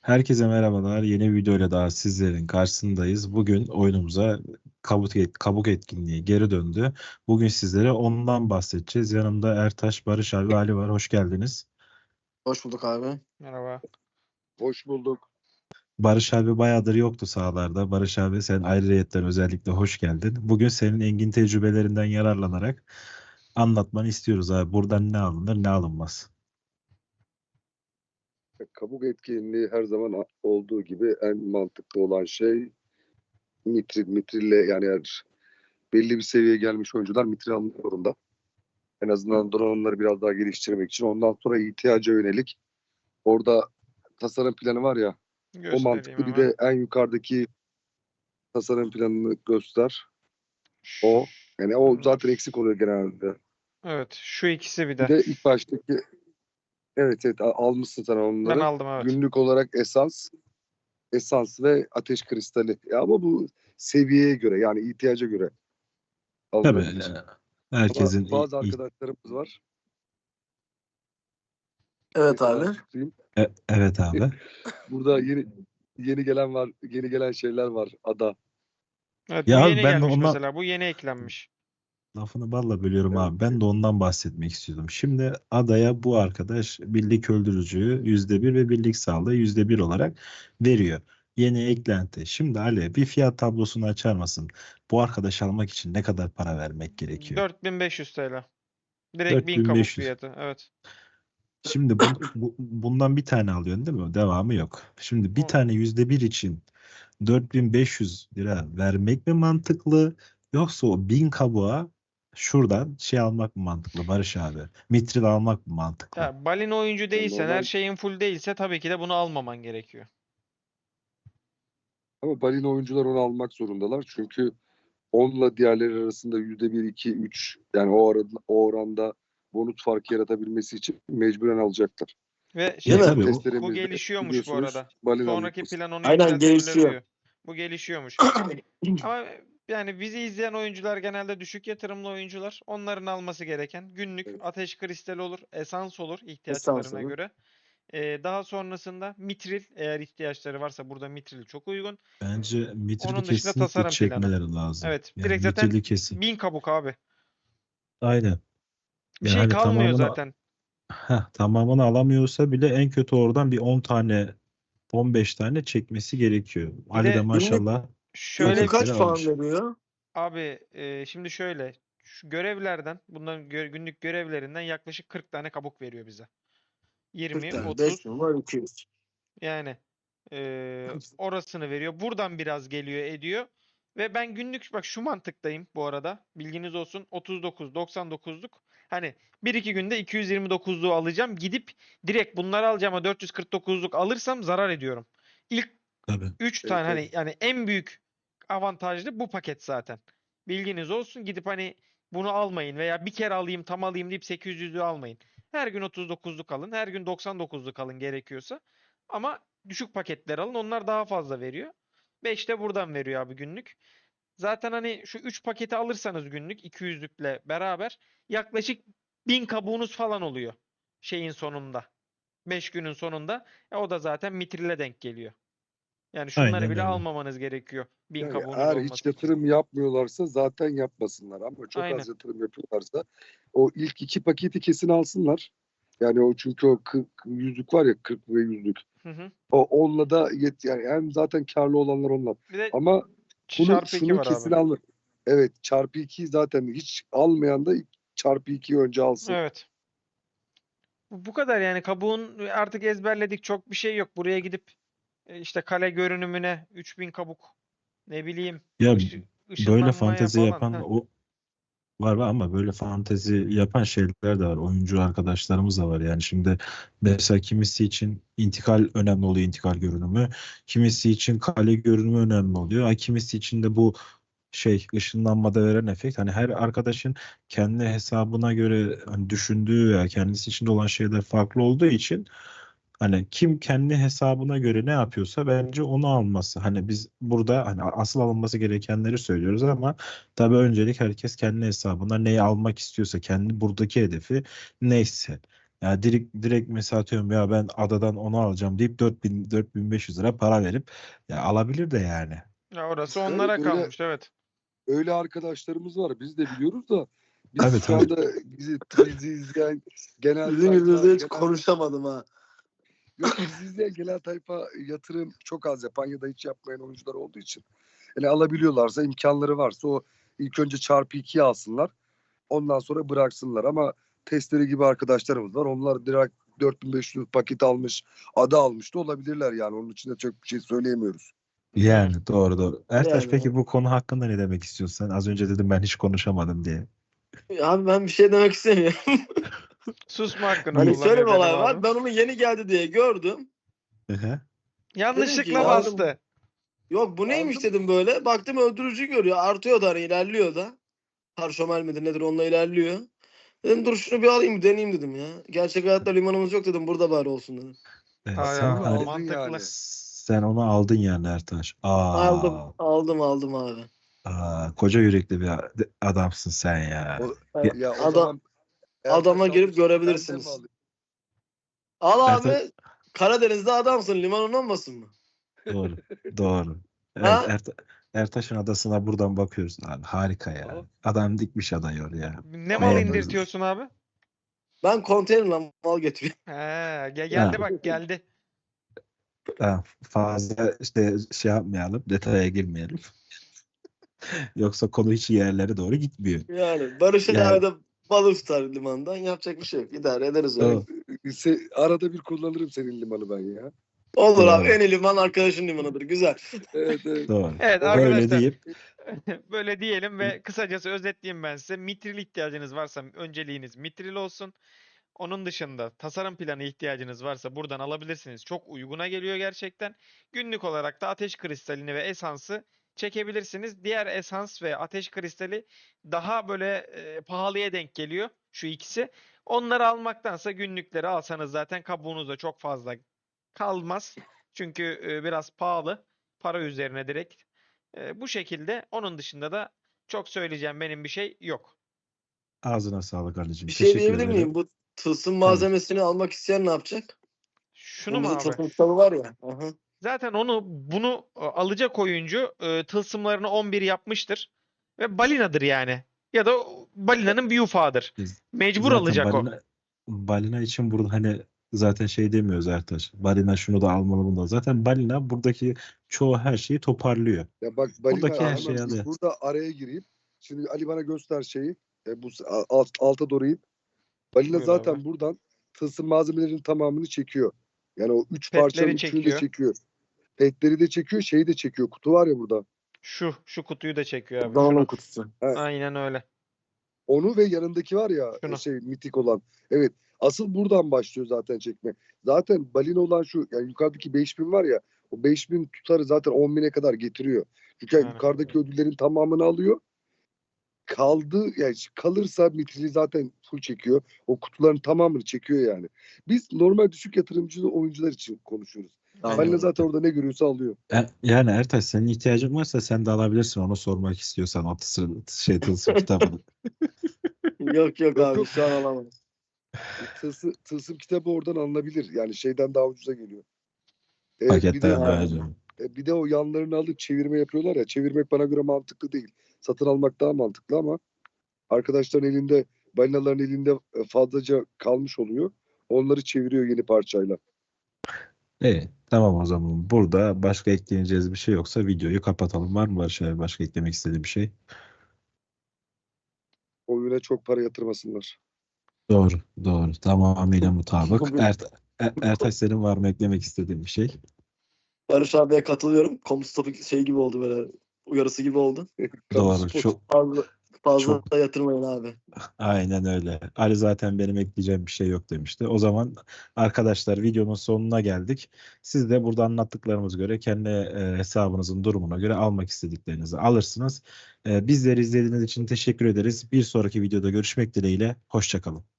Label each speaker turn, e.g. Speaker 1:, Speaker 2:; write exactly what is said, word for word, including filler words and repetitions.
Speaker 1: Herkese merhabalar. Yeni bir videoyla daha sizlerin karşısındayız. Bugün oyunumuza kabuk, et- kabuk etkinliği geri döndü. Bugün sizlere ondan bahsedeceğiz. Yanımda Ertaş, Barış abi, Ali var. Hoş geldiniz.
Speaker 2: Hoş bulduk abi.
Speaker 3: Merhaba.
Speaker 4: Hoş bulduk.
Speaker 1: Barış abi bayağıdır yoktu sahalarda. Barış abi sen ayrıyetten özellikle hoş geldin. Bugün senin engin tecrübelerinden yararlanarak anlatmanı istiyoruz abi. Buradan ne alınır ne alınmaz.
Speaker 4: Kabuk etkinliği her zaman a- olduğu gibi en mantıklı olan şey mitril. Mitrille yani eğer belli bir seviyeye gelmiş oyuncular mitril almak zorunda. En azından donanımları biraz daha geliştirmek için. Ondan sonra ihtiyaca yönelik orada tasarım planı var ya, o
Speaker 3: Göstereyim
Speaker 4: mantıklı. Bir
Speaker 3: hemen.
Speaker 4: de en yukarıdaki tasarım planını göster. O yani o zaten eksik oluyor genelde.
Speaker 3: Evet, şu ikisi bir
Speaker 4: Bir
Speaker 3: de.
Speaker 4: de ilk baştaki evet evet a- almışsın sen
Speaker 3: Ben
Speaker 4: onları.
Speaker 3: aldım, evet.
Speaker 4: Günlük olarak esans, esans ve ateş kristali. Ya ama bu seviyeye göre yani ihtiyaca göre
Speaker 1: Tabii
Speaker 4: alınabilir.
Speaker 1: e,
Speaker 4: Ama
Speaker 1: herkesin
Speaker 4: bazı
Speaker 1: i- i-
Speaker 4: arkadaşlarımız var.
Speaker 2: Evet
Speaker 4: Mesela
Speaker 2: abi.
Speaker 4: tutayım.
Speaker 1: e- evet abi.
Speaker 4: Burada yeni yeni gelen var, yeni gelen şeyler var. Ada.
Speaker 3: Evet,
Speaker 1: Ya
Speaker 3: bu
Speaker 1: abi
Speaker 3: yeni
Speaker 1: ben de
Speaker 3: gelmiş
Speaker 1: ondan
Speaker 3: mesela. Bu yeni eklenmiş.
Speaker 1: lafını balla bölüyorum
Speaker 4: Evet.
Speaker 1: abi. Ben de ondan bahsetmek istiyordum. Şimdi adaya bu arkadaş birlik öldürücüyü yüzde bir ve birlik sağlığı yüzde bir olarak veriyor. Yeni eklenti. Şimdi Ali bir fiyat tablosunu açar mısın? Bu arkadaş almak için ne kadar para vermek gerekiyor?
Speaker 3: dört bin beş yüz T L. Direkt bin kabuk
Speaker 1: dört bin beş yüz.
Speaker 3: fiyatı. Evet.
Speaker 1: Şimdi bu, bu- bundan bir tane alıyorsun değil mi? Devamı yok. Şimdi bir
Speaker 3: O-
Speaker 1: tane yüzde bir için dört bin beş yüz lira vermek mi mantıklı yoksa o bin kabuğa şuradan şey almak mı mantıklı Barış abi? Mitril almak mı mantıklı?
Speaker 3: Ya, balin oyuncu
Speaker 4: Yani
Speaker 3: değilsen,
Speaker 4: normal
Speaker 3: her şeyin full değilse tabii ki de bunu almaman gerekiyor.
Speaker 4: ama balina oyuncular onu almak zorundalar. Çünkü onunla diğerleri arasında yüzde bir, iki, üç yani o arada, o oranda bonus farkı yaratabilmesi için mecburen alacaklar.
Speaker 3: Ve
Speaker 1: Ya
Speaker 3: şey,
Speaker 2: mi?
Speaker 1: tabii
Speaker 3: bu,
Speaker 1: o
Speaker 3: bu
Speaker 4: Testlerimizde
Speaker 3: gelişiyormuş bu
Speaker 4: biliyorsunuz
Speaker 3: arada.
Speaker 4: balina
Speaker 3: Sonraki
Speaker 4: alıyoruz.
Speaker 3: plan onu
Speaker 2: Aynen,
Speaker 3: yükseltmeleri
Speaker 2: gelişiyor.
Speaker 3: diyor. Bu gelişiyormuş. Ama yani bizi izleyen oyuncular genelde düşük yatırımlı oyuncular. Onların alması gereken günlük
Speaker 4: Evet.
Speaker 3: ateş kristali olur, esans olur
Speaker 2: Esans
Speaker 3: ihtiyaçlarına
Speaker 2: olur.
Speaker 3: göre. Ee, daha sonrasında mitril, eğer ihtiyaçları varsa burada mitril çok uygun.
Speaker 1: bence mitrili
Speaker 3: Onun dışında
Speaker 1: kesinlikle
Speaker 3: tasarım planı.
Speaker 1: çekmeleri lazım.
Speaker 3: Evet,
Speaker 1: Yani
Speaker 3: direkt zaten
Speaker 1: mitrili kesin.
Speaker 3: bin kabuk abi.
Speaker 1: Aynen.
Speaker 3: Bir
Speaker 1: Yani
Speaker 3: şey
Speaker 1: hani
Speaker 3: kalmıyor
Speaker 1: tamamını
Speaker 3: zaten.
Speaker 1: heh, tamamını alamıyorsa bile en kötü oradan bir on tane on beş tane çekmesi gerekiyor.
Speaker 3: Bir
Speaker 1: Ali de
Speaker 3: de
Speaker 1: maşallah
Speaker 3: şöyle
Speaker 2: Günlük
Speaker 1: paketleri
Speaker 2: kaç puan
Speaker 1: almış.
Speaker 2: veriyor?
Speaker 3: abi, e, şimdi şöyle, şu görevlerden, bunların gö- günlük görevlerinden yaklaşık kırk tane kabuk veriyor bize.
Speaker 2: kırk
Speaker 3: yirmi,
Speaker 2: tane. beş
Speaker 3: otuz,
Speaker 2: numara iki yüz.
Speaker 3: yani e, orasını veriyor. Buradan biraz geliyor ediyor. Ve ben günlük bak şu mantıktayım bu arada. Bilginiz olsun. otuz dokuz, doksan dokuzluk. Hani bir iki günde iki yüz yirmi dokuzluğu alacağım. Gidip direkt bunları alacağım ama dört yüz kırk dokuzluk alırsam zarar ediyorum. İlk
Speaker 1: Tabii.
Speaker 3: üç
Speaker 4: Evet,
Speaker 3: tane hani
Speaker 4: evet.
Speaker 3: yani en büyük avantajlı bu paket zaten. Bilginiz olsun. Gidip hani bunu almayın veya bir kere alayım tam alayım deyip sekiz yüzlüğü almayın. Her gün otuz dokuzluk alın. Her gün doksan dokuzluk alın gerekiyorsa. Ama düşük paketler alın. Onlar daha fazla veriyor. beş de buradan veriyor abi günlük. Zaten hani şu üç paketi alırsanız günlük iki yüzlükle beraber yaklaşık bin kabuğunuz falan oluyor. Şeyin sonunda. beş günün sonunda. E o da zaten mitrille denk geliyor. Yani şunları
Speaker 1: Aynen
Speaker 3: bile
Speaker 1: öyle.
Speaker 3: almamanız gerekiyor. Bin
Speaker 4: Yani
Speaker 3: kabuğunuz
Speaker 4: eğer hiç
Speaker 3: olması için.
Speaker 4: yatırım yapmıyorlarsa zaten yapmasınlar. Ama çok
Speaker 3: Aynen.
Speaker 4: az yatırım yapıyorlarsa o ilk iki paketi kesin alsınlar. Yani o çünkü o kırk yüzlük var ya, kırk ve yüzlük.
Speaker 3: Hı hı.
Speaker 4: O onunla da yet yani hem zaten karlı olanlar onlar.
Speaker 3: Bir de
Speaker 4: Ama şunu
Speaker 3: çarpı iki
Speaker 4: şunu
Speaker 3: var
Speaker 4: kesin
Speaker 3: abi.
Speaker 4: alma. Evet, çarpı iki zaten hiç almayan da çarpı ikiyi önce alsın.
Speaker 3: Evet. Bu bu kadar yani, kabuğun artık ezberledik, çok bir şey yok. Buraya gidip e, işte kale görünümüne üç bin kabuk, ne bileyim,
Speaker 1: Ya
Speaker 3: ışı-
Speaker 1: böyle
Speaker 3: ışınlanmaya
Speaker 1: fantezi
Speaker 3: falan.
Speaker 1: yapan
Speaker 3: Heh.
Speaker 1: o var var ama böyle fantezi yapan şeyler de var. Oyuncu arkadaşlarımız da var. Yani şimdi mesela kimisi için intikal önemli oluyor, intikal görünümü. Kimisi için kale görünümü önemli oluyor. Ha, kimisi için de bu şey ışınlanmada veren efekt. Hani her arkadaşın kendi hesabına göre hani düşündüğü ya kendisi içinde olan şeyler farklı olduğu için hani kim kendi hesabına göre ne yapıyorsa bence onu alması. Hani biz burada hani asıl alınması gerekenleri söylüyoruz ama tabii öncelik herkes kendi hesabına neyi almak istiyorsa kendi buradaki hedefi neyse. Yani direkt, direkt mesela atıyorum ya ben adadan onu alacağım deyip dört bin dört bin beş yüz lira para verip ya alabilir de yani.
Speaker 3: Ya orası
Speaker 4: Evet,
Speaker 3: onlara
Speaker 4: öyle
Speaker 3: kalmış, evet.
Speaker 4: öyle arkadaşlarımız var. Biz de biliyoruz da biz
Speaker 1: Tabii,
Speaker 4: şu
Speaker 1: tabii.
Speaker 4: anda bizi, bizi izleyen genel
Speaker 2: Sizin
Speaker 4: tayfa,
Speaker 2: yüzünüzde hiç
Speaker 4: genel,
Speaker 2: konuşamadım ha.
Speaker 4: yok bizi izleyen genel tayfa yatırım çok az yapan ya da hiç yapmayan oyuncular olduğu için. Yani alabiliyorlarsa, imkanları varsa o ilk önce çarpı ikiye alsınlar. Ondan sonra bıraksınlar ama testleri gibi arkadaşlarımız var. Onlar direkt dört bin beş yüz paket almış, ada almış da olabilirler yani. Onun için de çok bir şey söyleyemiyoruz.
Speaker 1: Yani doğru doğru. Ertaş
Speaker 2: Yani
Speaker 1: peki bu konu hakkında ne demek istiyorsun? Sen az önce dedim ben hiç konuşamadım diye.
Speaker 2: abi ben bir şey demek istemiyorum.
Speaker 3: Susma hakkını
Speaker 2: Hani
Speaker 3: kullanıyor
Speaker 2: şöyle bir olay
Speaker 3: Selim
Speaker 2: var.
Speaker 3: abi.
Speaker 2: Ben onu yeni geldi diye gördüm.
Speaker 1: Hı hı.
Speaker 3: Yanlışlıkla
Speaker 2: ya-
Speaker 3: bastı.
Speaker 2: Yok bu neymiş
Speaker 4: Aldım.
Speaker 2: dedim böyle. Baktım öldürücü görüyor. Artıyor da hani ilerliyor da. Parşömel midir nedir onunla ilerliyor. Dedim dur şunu bir alayım bir deneyeyim dedim ya. Gerçek hayatta limanımız yok dedim. Burada bari olsun dedim.
Speaker 1: Evet,
Speaker 3: Aa,
Speaker 1: sen
Speaker 3: ya,
Speaker 1: hani
Speaker 3: mantıklı.
Speaker 4: yani.
Speaker 1: sen onu aldın yani Ertaş.
Speaker 2: Aldım.
Speaker 1: Aa,
Speaker 2: Aldım aldım abi.
Speaker 1: aa koca yürekli bir a- adamsın sen ya.
Speaker 4: O,
Speaker 1: Ya,
Speaker 4: ya o
Speaker 2: Adam-
Speaker 4: zaman
Speaker 2: adama
Speaker 4: Ertaş
Speaker 2: girip
Speaker 4: almışsa ben de mi
Speaker 2: görebilirsiniz.
Speaker 4: alayım?
Speaker 2: Al
Speaker 1: Ertaş
Speaker 2: abi. Karadeniz'de adamsın. Limanın olmasın mı?
Speaker 1: doğru. Doğru. Evet,
Speaker 2: Ha?
Speaker 1: Erta- Ertaş'ın adasına buradan bakıyoruz abi. Harika
Speaker 4: Aha.
Speaker 1: ya. Adam dikmiş adayı oraya.
Speaker 3: Ne mal
Speaker 1: Beğendim.
Speaker 3: indirtiyorsun abi?
Speaker 2: Ben konteynerle mal getiriyorum.
Speaker 3: He, ge- geldi
Speaker 1: Ha.
Speaker 3: bak geldi.
Speaker 1: Ha, fazla işte şey yapmayalım, detaya girmeyelim. Yoksa konu hiç yerlere doğru gitmiyor.
Speaker 2: Yani Barış'ın
Speaker 1: Yani
Speaker 2: arada balık tutar limandan. Yapacak bir şey yok. İdare ederiz öyle.
Speaker 1: o,
Speaker 4: Se- arada bir kullanırım senin limanı ben ya.
Speaker 2: Olur abi.
Speaker 1: doğru,
Speaker 2: En iyi liman arkadaşın limanıdır. Güzel.
Speaker 4: Evet, evet.
Speaker 1: doğru.
Speaker 3: Evet
Speaker 4: O-
Speaker 1: Öyle
Speaker 3: arkadaşlar,
Speaker 1: deyip
Speaker 3: böyle diyelim ve kısacası özetleyeyim ben size. Mitril ihtiyacınız varsa önceliğiniz mitril olsun. Onun dışında tasarım planı ihtiyacınız varsa buradan alabilirsiniz. Çok uyguna geliyor gerçekten. Günlük olarak da ateş kristalini ve esansı çekebilirsiniz. Diğer esans ve ateş kristali daha böyle e, pahalıya denk geliyor şu ikisi. Onları almaktansa günlükleri alsanız zaten kabuğunuzda çok fazla kalmaz. Çünkü e, biraz pahalı. Para üzerine direkt. E, bu şekilde. Onun dışında da çok söyleyeceğim benim bir şey yok.
Speaker 1: ağzına sağlık Ali'cim.
Speaker 2: Bir şey
Speaker 1: Teşekkür
Speaker 2: diyebilir
Speaker 1: ederim.
Speaker 2: miyim? Bu tılsım
Speaker 1: Tabii.
Speaker 2: malzemesini almak isteyen ne yapacak?
Speaker 3: Şunu
Speaker 2: Bunun
Speaker 3: mu
Speaker 2: bizde
Speaker 3: abi?
Speaker 2: tılsım kitabı var ya. Aha.
Speaker 3: Zaten onu bunu e, alacak oyuncu e, tılsımlarını on bir yapmıştır. Ve balinadır yani. Ya da o balinanın bir ufağıdır.
Speaker 1: Biz
Speaker 3: Mecbur
Speaker 1: zaten
Speaker 3: alacak o.
Speaker 1: balina, balina için burada hani zaten şey demiyoruz Ertaş. Balina şunu da almalı bunu da. Zaten balina buradaki çoğu her şeyi toparlıyor.
Speaker 4: Ya bak balina
Speaker 1: Buradaki her
Speaker 4: hemen
Speaker 1: şeyi alıyor.
Speaker 4: burada araya gireyim. Şimdi Ali bana göster şeyi. E, bu s- alt, alta doğru in. Balina
Speaker 3: Buyur
Speaker 4: zaten
Speaker 3: abi.
Speaker 4: buradan tılsım malzemelerinin tamamını çekiyor. Yani o üç parçanın
Speaker 3: Petleri
Speaker 4: üçünü de
Speaker 3: çekiyor.
Speaker 4: çekiyor. Petleri de çekiyor, şeyi de çekiyor. Kutu var ya burada.
Speaker 3: Şu şu kutuyu da çekiyor abi.
Speaker 2: Donanım
Speaker 3: Şunu.
Speaker 2: kutusu.
Speaker 4: Ha,
Speaker 3: Aynen öyle.
Speaker 4: onu ve yanındaki var ya
Speaker 3: Şunu.
Speaker 4: e, şey mitik olan. Evet. Asıl buradan başlıyor zaten çekme. Zaten balina olan şu yani yukarıdaki beş bin var ya o beş bin tutarı zaten on bine kadar getiriyor. Çünkü
Speaker 3: Yani.
Speaker 4: yukarıdaki ödüllerin tamamını alıyor. Kaldı yani kalırsa mitrili zaten full çekiyor. O kutuların tamamını çekiyor yani. Biz normal düşük yatırımcı oyuncular için konuşuyoruz. Balina
Speaker 2: Anladım.
Speaker 4: zaten orada ne görüyorsa alıyor.
Speaker 1: E, Yani Ertaş senin ihtiyacın varsa sen de alabilirsin. Onu sormak istiyorsan o tılsım, şey tılsım kitabını.
Speaker 2: Yok yok
Speaker 4: Yok,
Speaker 2: abi
Speaker 4: yok.
Speaker 2: şu an alamam.
Speaker 4: Tılsım, tılsım kitabı oradan alınabilir. Yani şeyden daha ucuza geliyor. Ee, bir de
Speaker 1: Paketten daha önce.
Speaker 4: e, bir de o yanlarını alıp çevirme yapıyorlar ya. Çevirmek bana göre mantıklı değil. Satın almak daha mantıklı ama arkadaşların elinde balinaların elinde e, fazlaca kalmış oluyor. Onları çeviriyor yeni parçayla.
Speaker 1: İyi, tamam o zaman. Burada başka ekleyeceğiz bir şey yoksa videoyu kapatalım. Var mı Barış abi başka eklemek istediği bir şey?
Speaker 4: Oyuna çok para yatırmasınlar.
Speaker 1: Doğru, doğru. Tamamıyla mutabık. Ert Er- Ertaş senin var mı eklemek istediğin bir şey?
Speaker 2: Barış abiye katılıyorum. Komus topu şey gibi oldu böyle. Uyarısı gibi oldu.
Speaker 4: Kamu
Speaker 1: Doğru.
Speaker 4: spot.
Speaker 1: Çok
Speaker 2: Fazla, fazla
Speaker 1: çok
Speaker 2: da yatırmayın abi.
Speaker 1: aynen öyle. Ali zaten benim ekleyeceğim bir şey yok demişti. O zaman arkadaşlar videonun sonuna geldik. Siz de burada anlattıklarımız göre kendi e, hesabınızın durumuna göre almak istediklerinizi alırsınız. E, bizleri izlediğiniz için teşekkür ederiz. Bir sonraki videoda görüşmek dileğiyle. Hoşça kalın.